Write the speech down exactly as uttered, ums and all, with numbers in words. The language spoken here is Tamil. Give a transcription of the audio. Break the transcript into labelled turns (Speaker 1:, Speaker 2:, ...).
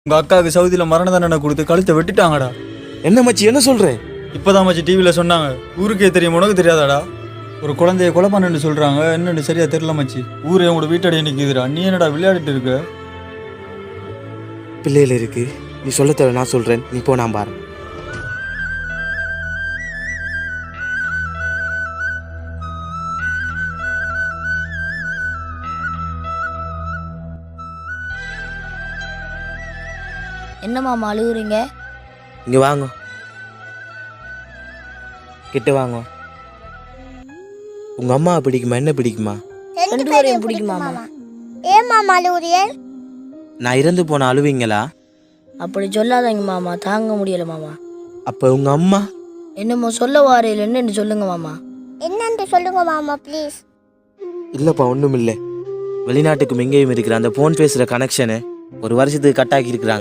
Speaker 1: உங்க அக்காவுக்கு சவுதியில மரண தண்டனை கொடுத்து கழுத்தை வெட்டிட்டாங்கடா.
Speaker 2: என்ன மச்சி என்ன சொல்ற?
Speaker 1: இப்பதான் மச்சி டிவியில சொன்னாங்க. ஊருக்கே தெரியும், உனக்கு தெரியாதாடா? ஒரு குழந்தைய கொலை பண்ணு சொல்றாங்க. என்னன்னு சரியா தெரியல மச்சி. ஊரே உங்களோட வீட்டடியே நிக்குதுடா. நீ என்னடா விளையாடிட்டு இருக்க?
Speaker 2: பிள்ளைகள் இருக்கு, நீ சொல்ல தேவை, நான் சொல்றேன், நீ போ, நான் பாரு.
Speaker 3: என்னம்மா அழுகுறீங்க?
Speaker 2: இங்க வாங்க, கிட்ட வாங்க. உங்க அம்மா பிடிக்குமா, என்ன பிடிக்குமா?
Speaker 3: ரெண்டு பேரையும் பிடிக்குமாமா?
Speaker 4: ஏன் மாமா அழுகுறியே?
Speaker 2: நான் இறந்து போன அழுவீங்களா?
Speaker 3: அப்படி சொல்லாதீங்க மாமா, தாங்க முடியல மாமா.
Speaker 2: அப்ப உங்க அம்மா
Speaker 3: என்னமோ சொல்ல வாரையில் என்னன்னு சொல்லுங்க மாமா.
Speaker 4: என்னன்னு சொல்லுங்க மாமா ப்ளீஸ்.
Speaker 2: இல்லப்பா, ஒண்ணும் இல்லை. வெளிநாட்டுக்கும் எங்கேயும் இருக்கிற அந்த போன் பேசுற கனெக்ஷனு ஒரு வருஷத்துக்கு கட் ஆக்கி இருக்கிறாங்க.